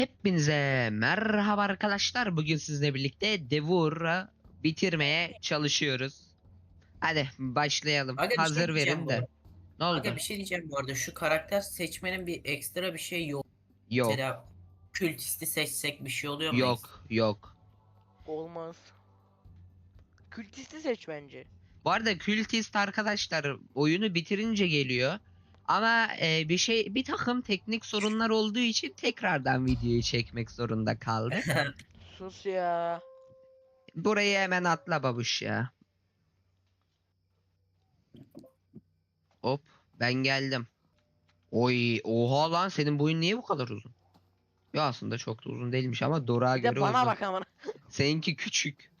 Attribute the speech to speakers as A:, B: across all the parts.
A: Hepinize merhaba arkadaşlar. Bugün sizinle birlikte Devur'u bitirmeye çalışıyoruz. Hadi başlayalım.
B: Aga bir şey
A: Hazır
B: diyeceğim
A: verin
B: bu
A: de.
B: arada.
A: Ne
B: Aga
A: oldu?
B: bir şey diyeceğim bu arada. Şu karakter seçmenin bir ekstra bir şey yok.
A: Yok.
B: Mesela kültisti seçsek bir şey oluyor mu ekstra?
A: Yok. Yok.
C: Olmaz. Kültisti seç bence.
A: Bu arada Kültist arkadaşlar oyunu bitirince geliyor. Ama bir takım teknik sorunlar olduğu için tekrardan videoyu çekmek zorunda kaldık.
C: Sus ya.
A: Burayı hemen atla babuş ya. Hop, ben geldim. Oy, oha lan, senin boyun niye bu kadar uzun? Ya aslında çok da uzun değilmiş ama Dora'ya
C: Bir de
A: göre
C: bana
A: uzun.
C: bak amına.
A: Seninki küçük.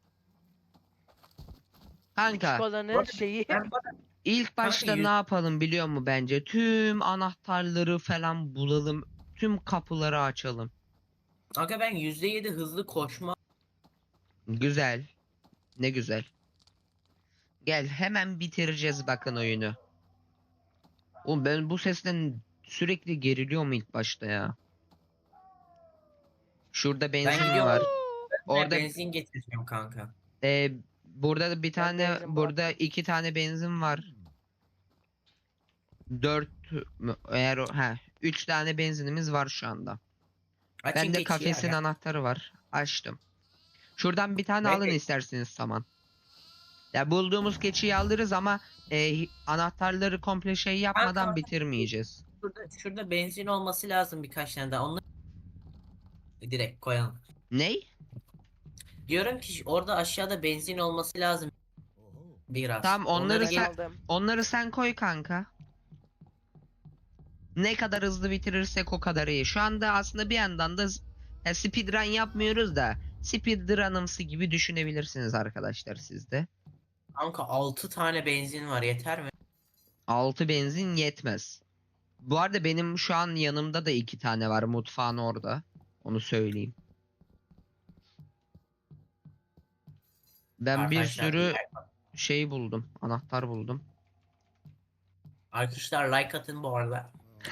C: Küçük
A: Kanka,
B: Bu
C: olanın
B: arada
C: şeyi.
A: ilk
B: kanka
A: başta ne yapalım biliyor musun bence? Tüm anahtarları falan bulalım. Tüm kapıları açalım.
B: Aga ben %7 hızlı koşma.
A: Güzel. Ne güzel. Gel, hemen bitireceğiz bakın oyunu. Oğlum ben bu sesten sürekli geriliyorum ilk başta ya. Şurada
B: Ben
A: benzin
B: gidiyorum.
A: var.
B: Ben
A: Orada
B: benzin getireceğim kanka.
A: burada da bir
C: Ben
A: tane,
C: benzin
A: burada
C: bıraktım.
A: 2 tane benzin var. 4 eğer 3 tane benzinimiz var şu anda.
B: Açın
A: Bende
B: keçiyi
A: kafesin
B: aga.
A: anahtarı var. Açtım. Şuradan bir tane
B: Ben
A: alın
B: de
A: isterseniz saman. Ya bulduğumuz keçiyi alırız ama anahtarları komple şey yapmadan
B: kanka
A: bitirmeyeceğiz.
B: şurada benzin olması lazım birkaç tane daha. Onları direkt koyalım.
A: Ney?
B: Diyorum ki orada aşağıda benzin olması lazım biraz.
A: Tamam,
B: Onları
C: Ben aldım.
A: onları sen koy kanka. Ne kadar hızlı bitirirsek o kadar iyi. Şu anda aslında bir yandan da speedrun yapmıyoruz da speedrun'ımsı gibi düşünebilirsiniz arkadaşlar siz de.
B: kanka 6 tane benzin var yeter mi?
A: 6 benzin yetmez. Bu arada benim şu an yanımda da 2 tane var, mutfağın orada. Onu söyleyeyim. Ben bir
B: Arkadaşlar
A: sürü şey buldum. Anahtar buldum.
B: arkadaşlar like atın bu arada.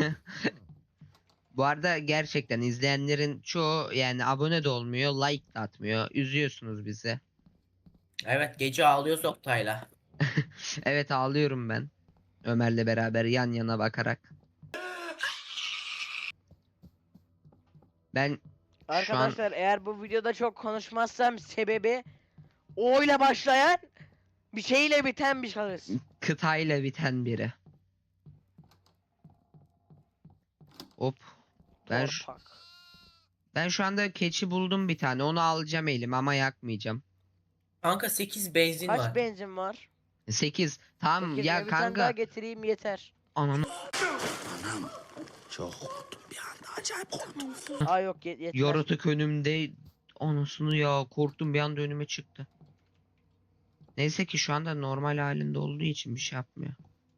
A: Bu arada gerçekten izleyenlerin çoğu yani abone de olmuyor, like de atmıyor. Üzüyorsunuz bizi.
B: Evet gece ağlıyoruz Oktay'la.
A: Evet, ağlıyorum ben. Ömer'le beraber yan yana bakarak. Ben şu an
C: Arkadaşlar eğer bu videoda çok konuşmazsam sebebi O ile başlayan bir şeyle biten bir şahıs.
A: kıtayla biten biri. Hop. Ben şu,
C: Torpak.
A: ben şu anda keçi buldum bir tane. Onu alacağım elim ama yakmayacağım.
B: Kanka 8 benzin
C: Kaç
B: var.
C: benzin var?
A: 8. Tamam
C: 8
A: ya
C: mi? Bir tane daha
A: kanka.
C: getireyim yeter.
A: Ananı
C: Aa yok yetmez.
A: yaratık önümde. Anasını ya, korktum bir anda önüme çıktı. Neyse ki şu anda normal halinde olduğu için bir şey yapmıyor.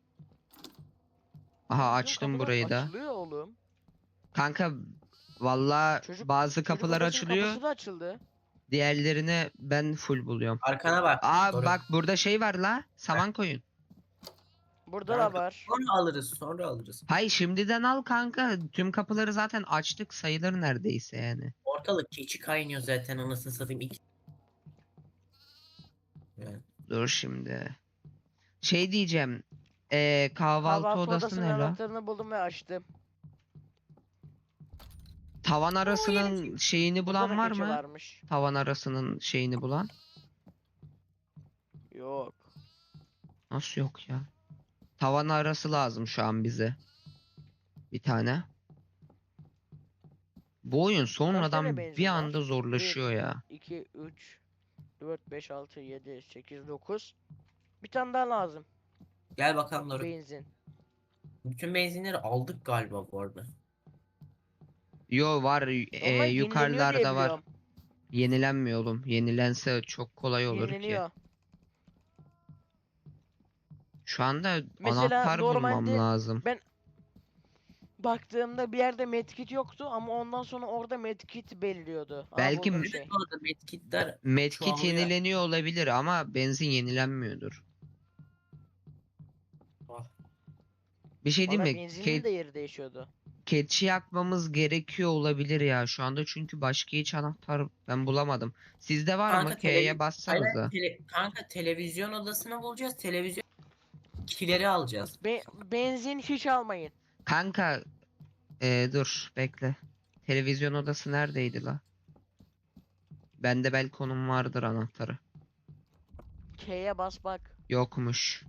A: Aha,
C: Bizim
A: açtım
C: kapılar
A: burayı da.
C: Açılıyor oğlum.
A: Kanka valla
C: Çocuk
A: bazı
C: çocuk
A: kapılar
C: odasının
A: açılıyor.
C: kapısı da açıldı.
A: Diğerlerini ben full buluyorum.
B: Arkana bak.
A: Aa
B: Doğru.
A: bak, burada şey var la. Saman koyun.
C: Burada da
B: Kanka,
C: var.
B: sonra alırız sonra alırız.
A: Hay şimdiden al kanka. Tüm kapıları zaten açtık sayılır neredeyse yani.
B: Ortalık keçi kaynıyor zaten anasını satayım. Evet.
A: Dur şimdi. Şey diyeceğim. Kahvaltı
C: Kahvaltı
A: odası
C: odasının
A: ne la?
C: anahtarını buldum ve açtım.
A: Tavan arasının şeyini
C: Burada da
A: bulan var
C: keçi
A: mı?
C: varmış.
A: Tavan arasının şeyini bulan.
C: Yok.
A: Nasıl yok ya? Tavan arası lazım şu an bize. Bir tane. Bu oyun
C: Kaç tane
A: sonradan
C: benzin
A: bir
C: var?
A: anda zorlaşıyor ya.
C: 2, 3, 4, 5, 6, 7, 8, 9. Bir tane daha lazım.
B: Gel bakalım Doruk.
C: Benzin.
B: Bütün benzinleri aldık galiba bu arada.
A: Yo var,
C: Ama yenileniyor diye
A: yukarılarda var.
C: biliyorum.
A: Yenilenmiyor oğlum. Yenilense çok kolay olur ki.
C: Yenileniyor.
A: Şu anda
C: Mesela
A: anahtar bulmam
C: normalde
A: lazım.
C: ben baktığımda bir yerde medkit yoktu ama ondan sonra orada medkit beliriyordu. Aa,
A: Belki
C: buldum
B: Evet
C: şey.
B: bu arada medkitler
A: Medkit
B: çoğalıyor.
A: yenileniyor olabilir ama benzin yenilenmiyordur.
B: Ah,
A: Bir şey
C: Bana
A: diyeyim mi?
C: benzinin de yeri değişiyordu.
A: keçi yakmamız gerekiyor olabilir ya şu anda çünkü başka hiç anahtar ben bulamadım. Sizde var mı?
B: Kanka
A: K'ye bassanıza.
B: kanka televizyon odasını bulacağız. Televizyon kileri alacağız.
C: Benzin hiç almayın.
A: Kanka dur bekle. Televizyon odası neredeydi la? Bende belki onun vardır anahtarı.
C: K'ye bas bak.
A: Yokmuş.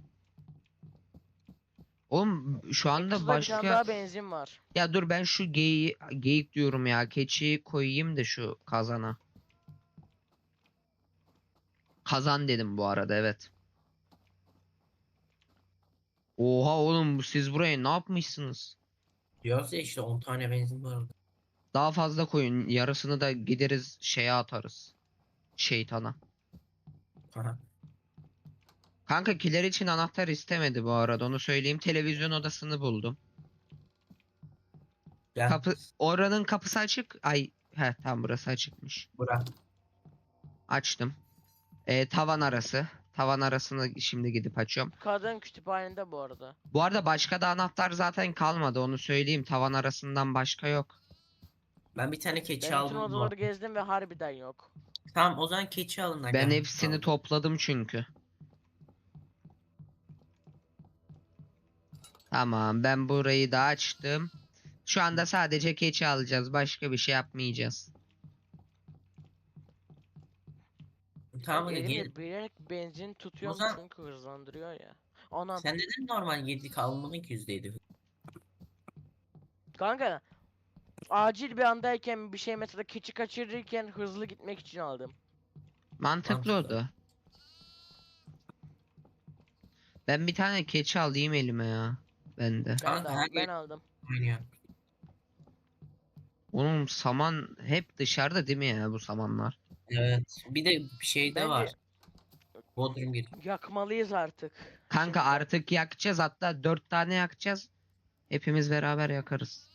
A: Oğlum şu anda
C: Ekstra bir tane
A: başka...
C: daha benzin var.
A: Ya dur ben şu geyik diyorum ya. Keçiyi koyayım da şu kazana. Kazan dedim bu arada evet. Oha oğlum siz buraya ne yapmışsınız?
B: Diyorsa işte 10 tane benzin var orada.
A: Daha fazla koyun. Yarısını da gideriz şeye atarız. Şeytana.
B: Aha.
A: Kanka kiler için anahtar istemedi bu arada onu söyleyeyim. Televizyon odasını buldum.
B: Gel.
A: Oranın kapısı açık. Ay tam burası açıkmış.
B: Bura.
A: Açtım. Tavan arası. Tavan arasını şimdi gidip açıyorum.
C: Kadın kütüphanede bu arada.
A: Bu arada başka da anahtar zaten kalmadı onu söyleyeyim. Tavan arasından başka yok.
B: Ben bir tane keçi
C: Ben bütün
B: aldım.
C: odaları gezdim ve harbiden yok.
B: Tamam o zaman keçi alın da
A: Ben
B: gel.
A: hepsini
B: Tamam.
A: topladım çünkü. Tamam ben burayı da açtım. Şu anda sadece keçi alacağız. Başka bir şey yapmayacağız.
B: Tamam
C: Elimde
B: gel.
C: bilerek benzin tutuyorum
B: Ozan-
C: çünkü hızlandırıyor ya. Anam.
B: Sen neden normal 7 kalmanın ki %7?
C: Kanka acil bir andayken bir şey mesela keçi kaçırırken hızlı gitmek için aldım.
A: Mantıklı
B: Mantıklı.
A: oldu. Ben bir tane keçi alayım elime ya. Bende.
C: Ben
B: Kanka,
C: de
B: her
C: aldım, ben
B: yer-
C: aldım.
B: Oynuyor.
A: Oğlum saman hep dışarıda değil mi ya bu samanlar?
B: Evet. Bir de bir şey de
C: Bence
B: var. Bodrum gir.
C: yakmalıyız artık.
A: Kanka
C: Şimdi.
A: artık yakacağız hatta 4 tane yakacağız. Hepimiz beraber yakarız.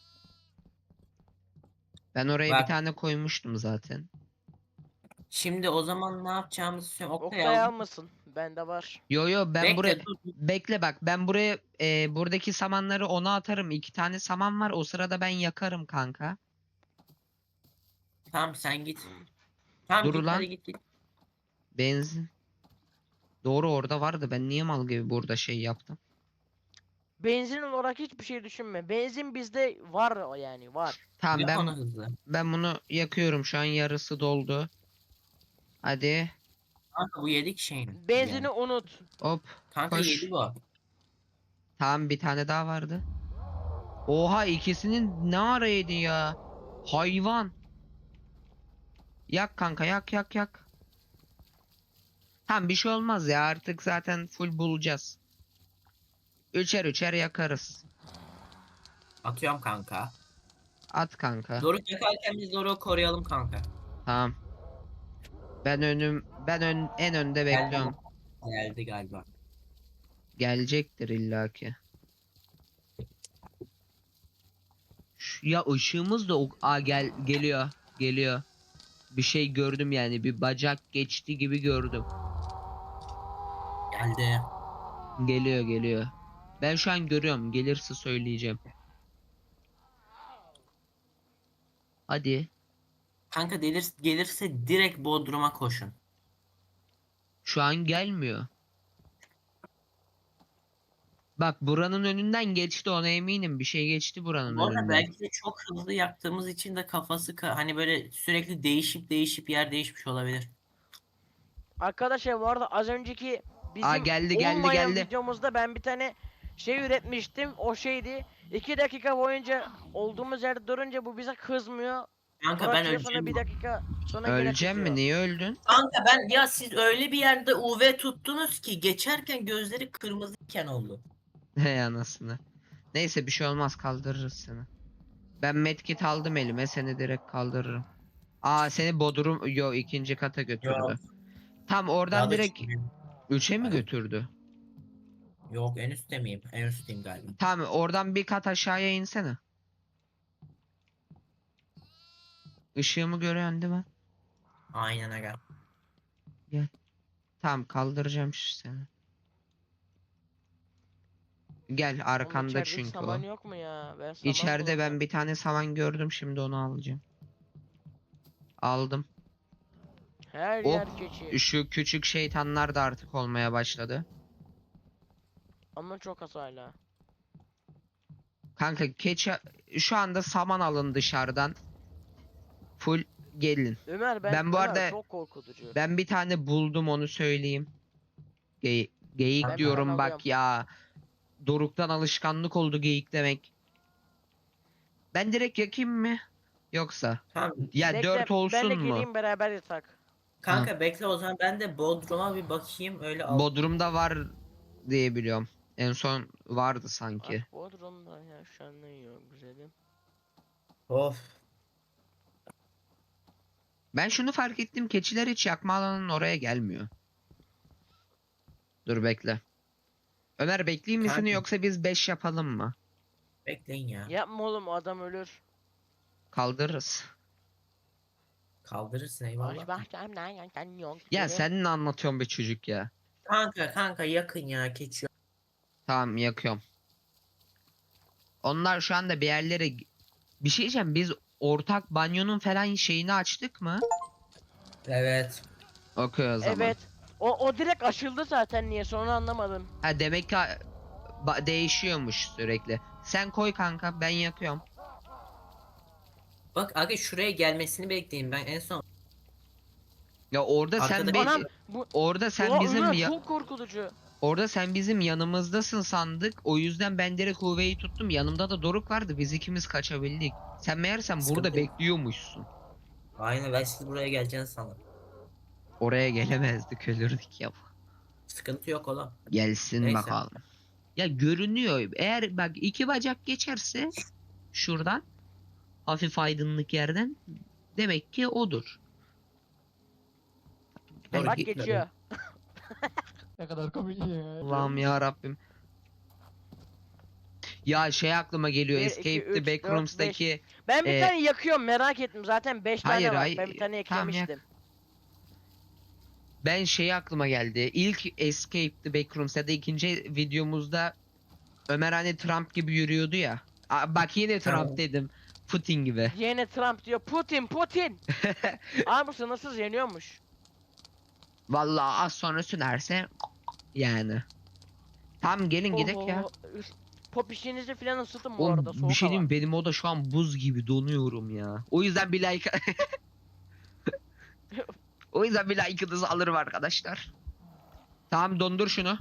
A: Ben oraya bir
B: Bak.
A: tane koymuştum zaten.
B: Şimdi o zaman ne yapacağımızı söyleyeyim. Oktay
C: Oktay
B: aldım.
C: almasın. Bende var.
A: Yo ben
B: Bekle,
A: buraya
B: dur, dur.
A: bekle bak ben buraya buradaki samanları ona atarım. 2 tane saman var o sırada ben yakarım kanka.
B: Tamam sen git. Tamam
A: Dur
B: git
A: lan.
B: hadi git.
A: Benzin. Doğru orada vardı ben niye mal gibi burada şey yaptım.
C: Benzin olarak hiçbir şey düşünme. Benzin bizde var o yani var.
A: Tamam
B: Yap
A: ben
B: onu hızlı.
A: bunu yakıyorum şu an yarısı doldu. Hadi
B: Kanka bu yedik şeyini.
C: Benzini
B: Yani.
C: unut.
A: hop
B: Kanka
A: koş.
B: yedi bu.
A: Tamam bir tane daha vardı. Oha ikisinin ne ara yedi ya. Hayvan. Yak kanka yak. Tamam bir şey olmaz ya artık zaten full bulacağız. Üçer yakarız.
B: Atıyorum kanka.
A: At kanka.
B: Doruk yakarken biz Doruk'u koruyalım kanka.
A: Tamam. En önde bekliyorum.
B: Geldi galiba.
A: Gelecektir illaki. Ya ışığımız da geliyor. Bir şey gördüm yani bir bacak geçti gibi gördüm.
B: Geldi.
A: Geliyor. Ben şu an görüyorum. Gelirse söyleyeceğim. Hadi.
B: Kanka gelirse direkt Bodrum'a koşun.
A: Şu an gelmiyor. Bak buranın önünden geçti ona eminim. Bir şey geçti buranın
B: Bu arada
A: önünden.
B: belki de çok hızlı yaktığımız için de kafası hani böyle sürekli değişip yer değişmiş olabilir.
C: Arkadaşlar bu arada az önceki bizim
A: geldi.
C: olmayan videomuzda ben bir tane şey üretmiştim. O şeydi. 2 dakika boyunca olduğumuz yerde durunca bu bize kızmıyor.
B: Kanka ben
C: Bırakıyor sonra
B: öleceğim.
C: bir dakika sonra gene
A: Öleceğim mi?
C: kızıyor.
A: Niye öldün?
B: Kanka ya siz öyle bir yerde UV tuttunuz ki geçerken gözleri kırmızıyken oldu.
A: Hey anasını. Neyse bir şey olmaz kaldırırız seni. Ben medkit aldım elime seni direkt kaldırırım. Seni ikinci kata götürdü. Tam
B: Daha
A: oradan
B: da
A: direkt
B: çıkmıyor.
A: 3'e mi
B: Aynen.
A: götürdü?
B: Yok en üstte miyim? En üstteyim galiba.
A: Tamam oradan bir kat aşağıya insene. Işığımı görüyorsun değil mi?
B: Aynen aga.
A: Tamam kaldıracağım seni. Gel
C: Oğlum
A: arkanda
C: içeride
A: çünkü
C: saman
A: o.
C: yok mu ya? Ben saman
A: İçeride ben
C: bulamıyorum.
A: bir tane saman gördüm, şimdi onu alacağım. Aldım.
C: Her
A: O
C: yer keçi.
A: şu küçük şeytanlar da artık olmaya başladı.
C: Ama çok az hala.
A: Kanka keçi şu anda saman alın dışarıdan. Full gelin. Ben bu
C: Ömer
A: arada
C: çok korkutucu.
A: ben bir tane buldum, onu söyleyeyim. Geyik
B: Ben
C: Ben bir tane
A: diyorum
C: alıyorum.
A: bak ya. Doruk'tan alışkanlık oldu geyik demek. Ben direkt yakayım mı? Yoksa?
B: Tamam.
A: Ya
C: Bekle
A: 4
C: ben de
A: olsun mu?
C: geleyim beraber yatak.
A: Hı.
B: Kanka bekle o zaman ben de Bodrum'a bir bakayım öyle al.
A: Bodrum'da var diye biliyorum. En son vardı sanki.
C: Bak Bodrum'da yaşanıyor güzelim.
B: Of.
A: Ben şunu fark ettim. Keçiler hiç yakma alanının oraya gelmiyor. Dur bekle. Ömer bekleyeyim mi seni,
B: Kanka
A: yoksa biz 5 yapalım mı?
B: bekleyin ya.
C: Yapma oğlum adam ölür.
A: Kaldırırız.
B: Kaldırırsın eyvallah.
C: Başımdan yok.
A: Ya sen ne anlatıyorsun be çocuk ya?
B: Kanka yakın ya keçiyor.
A: Tamam yakıyorum. Onlar şu anda bir yerlere... Bir şey diyeceğim, biz ortak banyonun falan şeyini açtık mı?
B: Evet.
A: Okey o zaman.
C: Evet. O direkt aşıldı zaten niye sonra anlamadım.
A: Ha demek ki değişiyormuş sürekli. Sen koy kanka, ben yakıyorum.
B: Bak aga şuraya gelmesini bekleyin ben en son.
A: Ya orada
B: Arkada
A: sen
B: bir-
C: Anam bu
A: orada sen
C: o
A: bizim
C: Ömer çok korkutucu.
A: orada sen bizim yanımızdasın sandık. O yüzden ben direkt Huve'yi tuttum. Yanımda da Doruk vardı. Biz ikimiz kaçabildik. Sen meğersem burada
B: Sıkıntı yok.
A: bekliyormuşsun.
B: Aynen ben siz buraya geleceğini sandım.
A: Oraya gelemezdik, ölürdük ya.
B: Sıkıntı yok oğlum.
A: Gelsin
B: Neyse.
A: bakalım. Ya görünüyor. Eğer bak iki bacak geçerse şuradan hafif aydınlık yerden, demek ki odur.
B: Doğru
C: Bak
B: gitme.
C: geçiyor.
D: Ne kadar komik ya.
A: Allah'ım ya Rabbim. Ya şey aklıma geliyor.
C: Bir,
A: Escape
C: iki,
A: the
C: üç,
A: Backrooms'taki
C: Ben bir
A: Ee,
C: tane yakıyorum merak ettim zaten 5
A: hayır,
C: tane var.
A: hayır,
C: Ben bir tane
A: tamam, yak.
C: eklemiştim.
A: ben şey aklıma geldi. İlk Escape the Backrooms ya da ikinci videomuzda Ömer hani Trump gibi yürüyordu ya. Bak yine Trump
B: Tamam.
A: dedim. Putin gibi.
C: Yine Trump diyor Putin. Abi bu sınırsız yeniyormuş.
A: Vallahi az sonra sünerse yani. Tamam gelin gidek ya.
C: Oho, pop işinizi falan ısıtın bu
A: Oğlum
C: arada
A: bir
C: soğuk
A: şey
C: hava.
A: diyeyim mi? Benim oda şu an buz gibi, donuyorum ya. O yüzden bir like o yüzden bir like'ınızı alırım arkadaşlar. Tamam dondur şunu.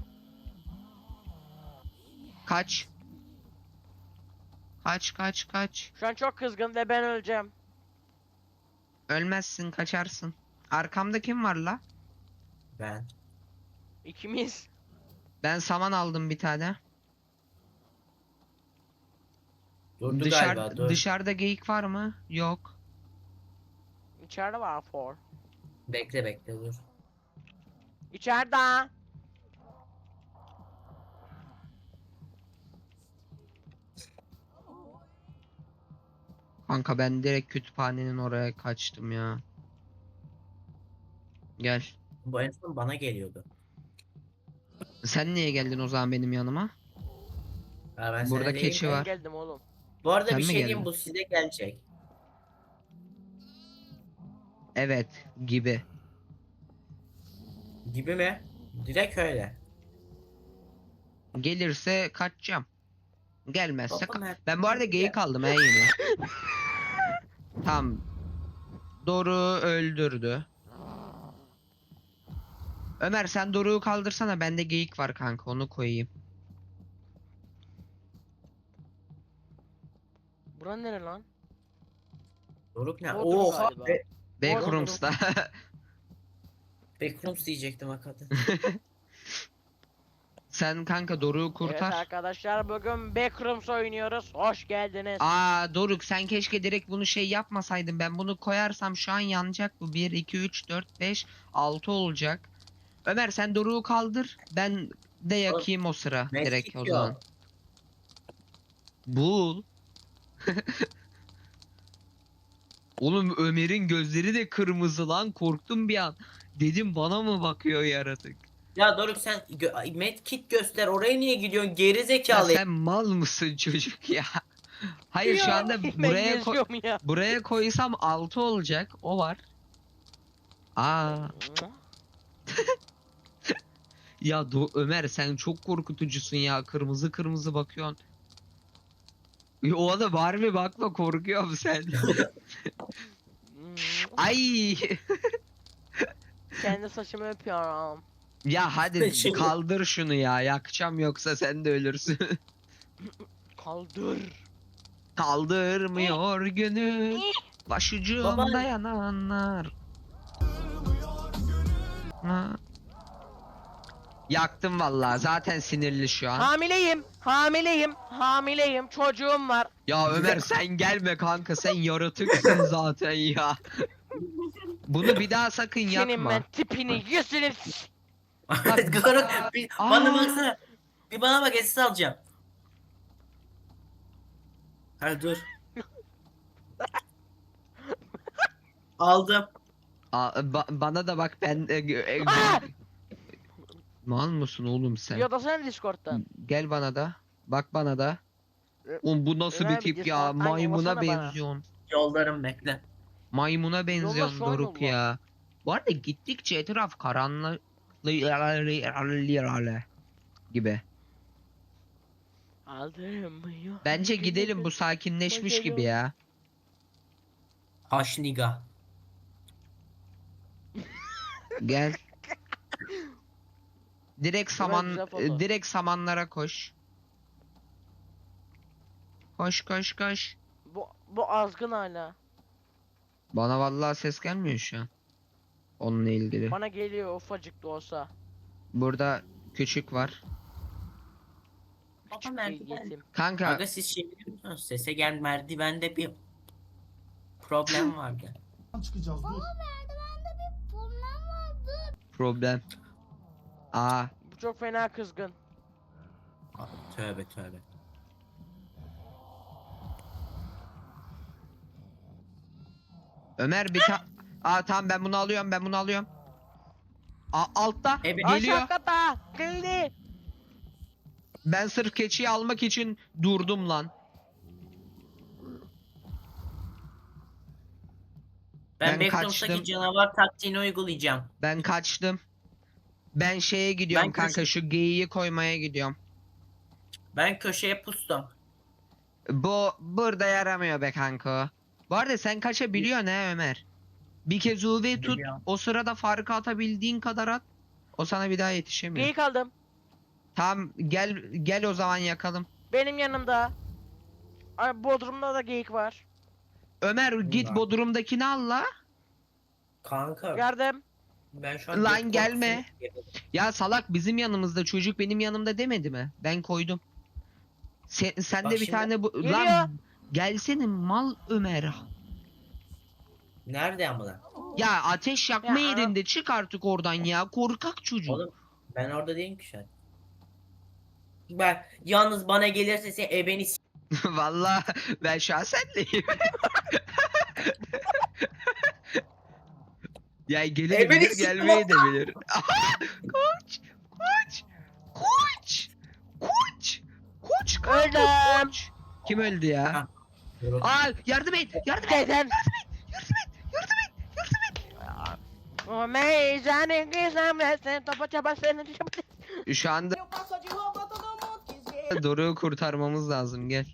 A: Kaç. Kaç.
C: Şu an çok kızgın ve ben öleceğim.
A: Ölmezsin, kaçarsın. Arkamda kim var la?
B: Ben.
C: İkimiz.
A: Ben saman aldım bir tane.
B: Durdu galiba dur.
A: Dışarıda geyik var mı? Yok.
C: İçeride var for.
B: Bekle dur.
C: İçeride.
A: Kanka ben direkt kütüphanenin oraya kaçtım ya. Gel.
B: Bu en son bana geliyordu.
A: Sen niye geldin o zaman benim yanıma?
B: Ha, ben
A: Burada
B: sana diyeyim
A: keçi
B: mi?
A: var.
C: Ben geldim oğlum.
B: Bu arada
A: Sen
B: bir
A: mi
B: şey diyeyim
A: geldin?
B: bu size gelecek.
A: Evet gibi.
B: Gibi mi? Direkt öyle.
A: Gelirse kaçacağım. Gelmezse
B: Baba, Mert,
A: ben bu arada
B: hadi
A: geyik
B: gel.
A: aldım he yine. Tamam. Doruk'u öldürdü. Ömer sen Doruk'u kaldırsana, bende geyik var kanka, onu koyayım.
C: Bura nere lan?
B: Doruk ne?
C: Bodrum
B: Oha
C: galiba.
B: be.
A: Backrooms'ta.
B: Backrooms diyecektim hakikaten.
A: Sen kanka Doruk'u
C: Evet
A: kurtar.
C: arkadaşlar bugün Backrooms oynuyoruz. Hoş geldiniz.
A: Doruk sen keşke direkt bunu şey yapmasaydın. Ben bunu koyarsam şu an yanacak bu. 1, 2, 3, 4, 5, 6 olacak. Ömer sen Doruk'u kaldır. Ben de yakayım o sıra. Direkt o
B: Medkit
A: zaman.
B: yok.
A: Bul. Oğlum Ömer'in gözleri de kırmızı lan. Korktum bir an. Dedim bana mı bakıyor yaratık?
B: Ya Doruk sen medkit göster. Oraya niye gidiyorsun? Geri
A: Ya
B: zekalı.
A: sen mal mısın çocuk ya? Hayır şu
C: Ya,
A: anda
C: ben geziyorum ya.
A: buraya koysam 6 olacak. O var. Aa ya Ömer sen çok korkutucusun ya. Kırmızı kırmızı bakıyorsun. Ya, o da var mı bakma korkuyorum sen. Ay
C: Kendi saçımı öpüyorum.
A: ya hadi
B: Şimdi-
A: kaldır şunu ya. Yakacağım yoksa sen de ölürsün.
C: Kaldır.
A: Kaldırmıyor gönül başucumda
B: Baba.
A: yananlar. Ha. Yaktım vallahi zaten sinirli şu an.
C: Hamileyim. Hamileyim. Hamileyim. Çocuğum var.
A: Ya Ömer sen gelme kanka sen yaratıksın zaten ya. Bunu bir daha sakın
C: Senin
A: yapma.
C: ben tipini yüzünü
B: Doruk bana
A: Aa.
B: baksana. Bir bana bak SS alacağım. Hadi dur. Aldım.
A: Bana da bak ben
C: Aa!
A: mal mısın oğlum sen?
C: Yodasana Discord'dan.
A: Gel bana da. Bak bana da. Oğlum bu nasıl
C: Ömer
A: bir tip
C: bir
A: ya?
C: Discord'dan
A: Maymuna
C: yollasana bana.
A: benziyorsun.
B: Yollarım bekle.
A: Maymuna benziyorsun
C: şu an
A: Doruk
C: yolla.
A: ya. Bu arada gittikçe etraf karanlık gibi.
C: Aldırmıyor.
A: Bence gidelim bu sakinleşmiş gibi ya.
B: Haşniga.
A: Gel.
C: güzel foto.
A: Direkt samanlara koş. Koş koş koş.
C: Bu azgın hala.
A: Bana vallahi ses gelmiyor şu an. Onunla ilgili.
C: Bana geliyor ufacık da olsa.
A: Burada küçük var.
B: Baba
C: Küçük bir
B: merdiven.
C: yetim.
A: Kanka
B: Aga siz şey biliyor musunuz? Sese gel merdivende bir problem vardı.
E: çıkacağız dur.
A: problem. Aa
C: Bu çok fena kızgın.
B: Tövbe tövbe.
A: Ömer Aa tamam ben bunu alıyorum. Altta
B: Evet.
A: geliyor.
C: Aşağı kata. Geldi.
A: Ben sırf keçiyi almak için durdum lan. Ben
B: Ben Backrooms'taki
A: kaçtım.
B: canavar taktiğini uygulayacağım.
A: Ben kaçtım. Ben şeye gidiyorum
B: Ben
A: kanka
B: köşe-
A: şu geyiği koymaya gidiyorum.
B: Ben köşeye pustum.
A: Bu burada yaramıyor be kanka. Bu arada sen kaçabiliyorsun he Ömer. Bir kez UV tut.
B: Biliyorum.
A: O sırada farkı atabildiğin kadar at. O sana bir daha yetişemiyor.
C: Geyik aldım.
A: Tamam gel o zaman yakalım.
C: Benim yanımda. Ay, Bodrum'da da geyik var.
A: Ömer git
B: var.
A: Bodrum'dakini al la.
B: Kanka
C: Gördüm.
B: ben şu an
A: Lan
B: göt
A: gelme.
B: korkusunu-
A: Ya salak bizim yanımızda çocuk benim yanımda demedi mi? Ben koydum. Sen
B: Bak
A: de bir
B: şimdi-
A: tane bu
C: Geliyor.
A: lan gelsene mal Ömer.
B: Nerede ama lan?
A: Ya ateş yakma
C: Ya,
A: yerinde çık artık oradan ya korkak çocuk.
B: Oğlum ben orada değilim ki şu an. Ben yalnız bana gelirse sen ebeni
A: Vallahi ben şahsenleyim. Ya gelebilir
B: beni
A: gelmeyi de bilir. Koç! Koç! Koç! Koç! Koç kanka
C: Öldüm.
A: koç! Kim öldü ya?
B: Ha.
A: Aa yardım et! Yardım et!
C: Neden?
A: Yardım et! Yardım et!
C: O meyzanın gizemlesin. Topa çaba senin.
A: Şu anda Doruk'u kurtarmamız lazım gel.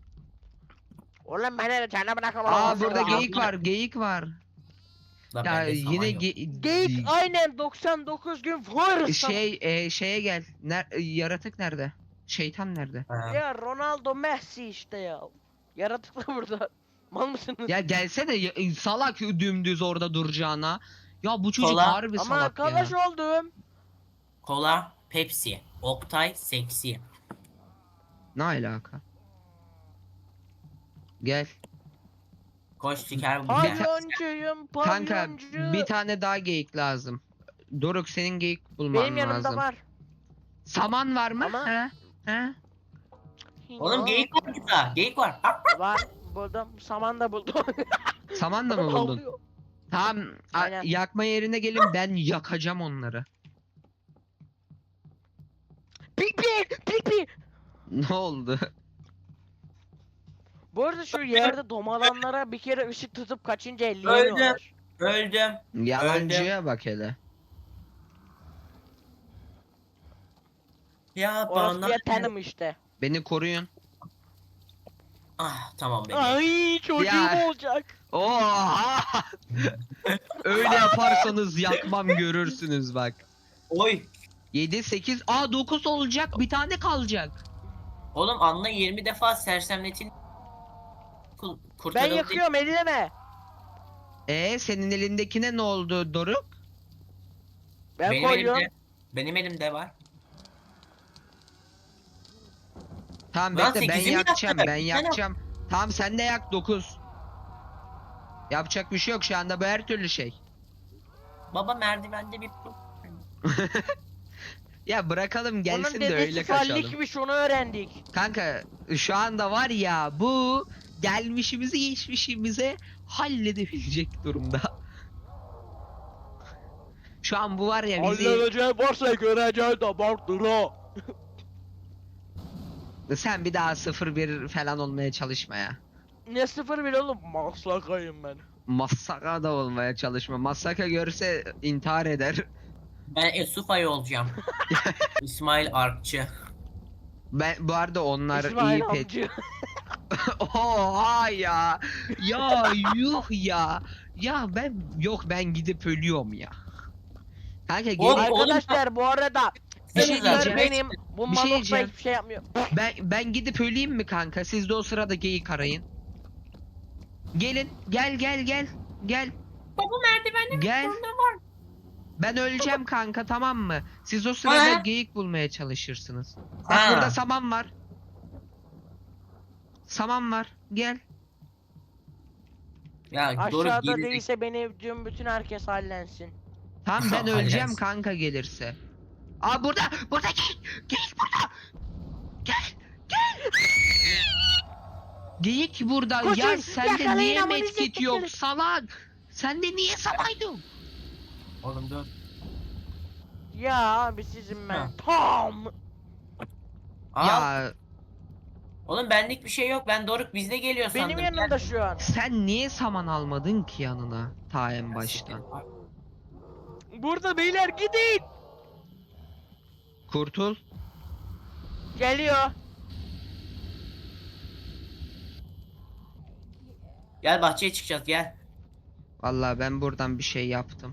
C: Oğlum beni de çana bırakma.
A: Aa burada
B: ya.
A: geyik var geyik var.
B: Lan
A: Ya
B: bende saman
A: yine
B: yok.
C: Geyik aynen 99 gün var.
A: şeye gel. Yaratık nerede? Şeytan nerede?
B: Ha.
C: Ya Ronaldo Messi işte ya. Yaratıklı burada. Mal mısınız?
A: Ya gelsene salak dümdüz orada duracağına. Ya bu çocuk
B: Kola.
A: harbi
C: Ama
A: salak
C: arkadaş
A: ya.
C: oldum.
B: Kola, Pepsi, Oktay, Seksi.
A: Ne alaka? Gel.
B: Koş çıkar bu
C: Palyoncuyum,
A: Kanka
C: palyoncu.
A: bir tane daha geyik lazım. Doruk senin geyik bulman
C: Benim yanımda
A: lazım.
C: var.
A: Saman var mı?
C: Ama-
A: He? He?
B: Oğlum geyik var burada. Geyik var. Ha.
C: Var. Buldum. Saman da buldum.
A: Saman da mı buldun?
C: Ağlıyor.
A: Tamam
C: Aynen.
A: yakma yerine gelin ben yakacağım onları. Ne oldu?
C: Bu arada şu yerde domalanlara bir kere ışık tutup kaçınca elleyemiyorlar.
B: Öldüm.
A: Yalancıya bak hele.
B: Ya
C: Orası
B: bana.
C: bir tanım işte.
A: Beni koruyun.
B: Ah tamam benim.
C: Ay çocuğum
A: Ya.
C: olacak.
A: Oha! Öyle yaparsanız yakmam görürsünüz bak.
B: Oy.
A: 7 8 9 olacak. Bir tane kalacak.
B: Oğlum Anla 20 defa sersemletin.
C: Ben
B: Kurtarıldı.
C: yakıyorum elleme.
A: Senin elindekine ne oldu Doruk?
C: Ben
B: Benim
C: koyuyorum.
B: elimde. Benim elimde var.
A: Tamam
B: Lan
A: bekle ben
B: 8'i mi
A: yakacağım
B: yaktık?
A: ben
B: Bir tane-
A: yakacağım. Tamam sen de yak 9. Yapacak bir şey yok şu anda bu her türlü şey.
B: Baba merdivende bir
A: Ya bırakalım gelsin
C: Onun
A: de öyle
C: dedesi
A: kaçalım.
C: fallikmiş onu öğrendik.
A: Kanka şu anda var ya bu gelmişimizi geçmişimize halledebilecek durumda. Şu an bu var ya bizi
C: Halledeceğim varsa göreceğim de vardır o.
A: sen bir daha 0-1 falan olmaya çalışma ya.
C: Ne sıfır bile oğlum maslakayım ben.
A: Masaka da olmaya çalışma. Masaka görse intihar eder.
B: Ben Esufay olacağım. İsmail Arkçı.
A: Ben bu arada onlar
C: İsmail
A: iyi pet.
C: amcı.
A: Oha ya. Ya yuh ya. Ya ben gidip ölüyorum ya. Kanka
B: Oğlum,
A: gelin.
C: Arkadaşlar bu arada
A: Bir şey
C: editör
A: diyeceğim.
C: benim. Bu
A: Bir şey
C: Manok'ta
A: diyeceğim.
C: hiçbir şey yapmıyor.
A: Ben gidip öleyim mi kanka? Siz de o sırada geyik arayın. Gelin. Gel.
B: Baba merdivende
A: Gel.
B: var.
A: Ben öleceğim kanka tamam mı? Siz o sırada
B: Ha?
A: geyik bulmaya çalışırsınız. Bak
B: Ha.
A: burada saman var. Saman var. Gel.
B: Ya doğru
C: Aşağıda
B: geri.
C: değilse beni bütün herkes hallensin.
A: Tamam ben
B: Hallensin.
A: öleceğim kanka gelirse. Aa burada geyik. Geyik burada. Gel. Geyik burada.
C: Koşun,
A: Ya sende
C: yakalayın
A: niye
C: amanızı
A: medkit yok
C: yakalayın.
A: salak? Sende niye samaydı?
B: Oğlum dur.
C: Ya abi sizin ben.
B: Ha.
C: Tam.
B: Al.
A: Ya
B: Oğlum benlik bir şey yok. Ben Doruk bizde geliyor sandım.
C: Benim yanımda şu an.
A: sen niye saman almadın ki yanına ta en baştan?
C: Burada beyler gidin.
A: Kurtul.
C: Geliyor.
B: Gel bahçeye çıkacağız gel.
A: Vallahi ben buradan bir şey yaptım.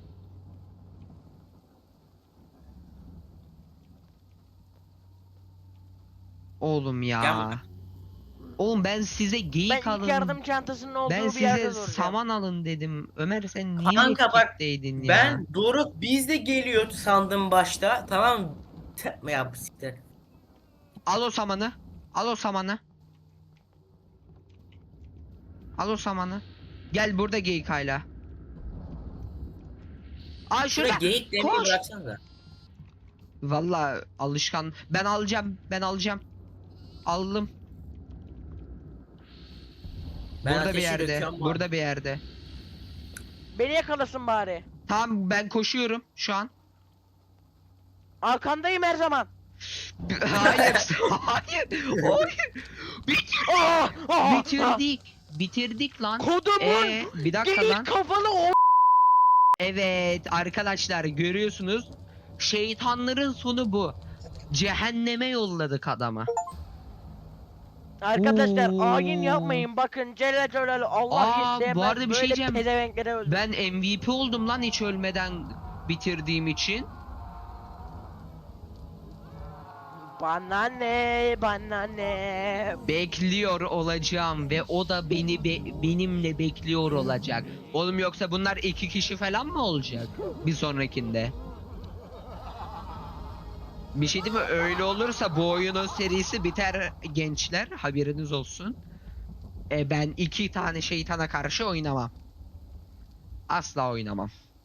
A: Oğlum
B: Gel
A: ya.
B: buraya.
A: Oğlum ben size
C: Ben
A: geyik
C: ilk
A: alın.
C: yardım çantasının olduğu
A: Ben
C: bir yerde
A: size
C: duracağım.
A: saman alın dedim. Ömer sen niye
B: Kanka bak,
A: medkit'teydin ya?
B: Ben Doruk bizde geliyor sandım başta. Tamam mı? Ya siktir.
A: Al o samanı. Al o samanı. Al o samanı. Gel burada geyik hala. Aa
B: Şuraya
A: şurada.
B: geyik demeyi
A: Koş.
B: bıraksanıza.
A: Vallahi alışkan. Ben alacağım. Aldım.
B: Ben
A: Burada bir
B: ateşi
A: yerde.
B: döküyorum bu
A: Burada bir yerde.
C: Beni yakalasın bari.
A: Tamam ben koşuyorum şu an.
C: Arkandayım her zaman.
A: Hayır. Hayır. Hayır.
C: Aa, aa,
A: Bitirdik. Bitirdik lan.
C: Kodumun
A: Bir dakika lan.
C: geyik kafalı o.
A: Evet arkadaşlar görüyorsunuz. Şeytanların sonu bu. Cehenneme yolladık adamı.
C: Arkadaşlar
A: Oo.
C: ayin yapmayın bakın Celle Celaluhu Allah
A: Aa,
C: istemez
A: bu arada bir şey
C: böyle
A: diyeceğim.
C: pezevenklere öldür.
A: Ben MVP oldum lan hiç ölmeden bitirdiğim için.
C: Bana ne bana ne.
A: Bekliyor olacağım ve o da benimle bekliyor olacak. Oğlum yoksa bunlar 2 kişi falan mı olacak bir sonrakinde? Bir şey değil mi? Öyle olursa bu oyunun serisi biter gençler. Haberiniz olsun. Ben 2 tane şeytana karşı oynamam. Asla oynamam.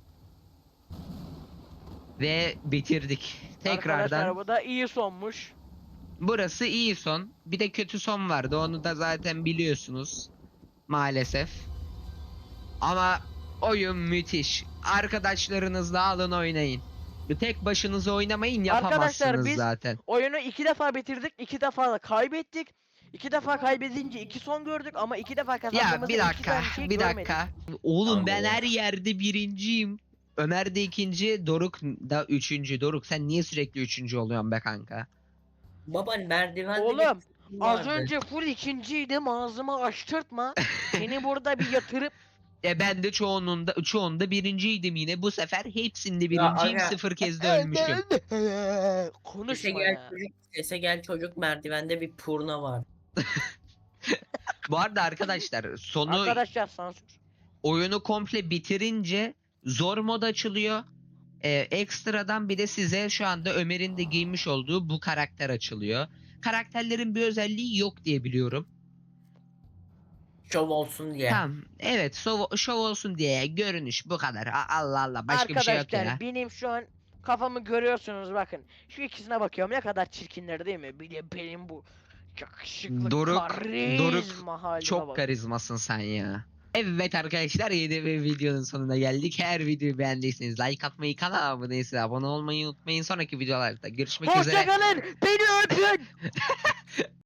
A: Ve bitirdik. Tekrardan.
C: Arkadaşlar bu da iyi sonmuş.
A: Burası iyi son. Bir de kötü son vardı. Onu da zaten biliyorsunuz. Maalesef. Ama oyun müthiş. Arkadaşlarınızla alın oynayın. Tek başınıza oynamayın,
C: Arkadaşlar,
A: yapamazsınız
C: biz-
A: zaten.
C: Oyunu 2 defa bitirdik, 2 defa da kaybettik. 2 defa kaybedince 2 son gördük ama 2 defa
A: Ya
C: kazandığımızda
A: bir
C: 2
A: dakika,
C: tane şey
A: bir
C: görmedik.
A: dakika. Oğlum
B: Tamam
A: ben
B: ya.
A: her yerde birinciyim. Ömer de ikinci, Doruk da üçüncü. Doruk sen niye sürekli üçüncü oluyorsun be kanka?
B: Baba merdivende
C: Oğlum,
B: bir
C: Az
B: vardı.
C: önce full ikinciydim, ağzımı açtırtma. Seni burada bir yatırıp
A: Ben de çoğunda birinciydim yine. Bu sefer hepsinde
B: Ya
A: birinciyim.
B: aga.
A: 0 kez de ölmüşüm.
B: Sese
C: konuşma
B: gel
C: ya.
B: çocuk, sese gel çocuk merdivende bir purna var.
A: Bu arada arkadaşlar sonu
C: Arkadaşlar sansür.
A: oyunu komple bitirince zor mod açılıyor. Ekstradan bir de size şu anda Ömer'in de giymiş olduğu bu karakter açılıyor. Karakterlerin bir özelliği yok diye biliyorum.
B: Şov olsun diye.
A: Tamam. Evet, şov olsun diye görünüş bu kadar. Allah Allah, başka bir şey yok
C: Arkadaşlar
A: ya.
C: benim şu an kafamı görüyorsunuz bakın. Şu ikisine bakıyorum, ne kadar çirkinler değil mi? Bir de benim bu yakışıklı
A: Doruk
C: karizma halime
A: çok
C: bak.
A: karizmasın sen ya. Evet arkadaşlar, yeni bir videonun sonuna geldik. Her videoyu beğendiyseniz like atmayı, kanala abone değilseniz abone olmayı unutmayın. Sonraki videolarda görüşmek üzere.
C: Hoşçakalın. Beni öpün.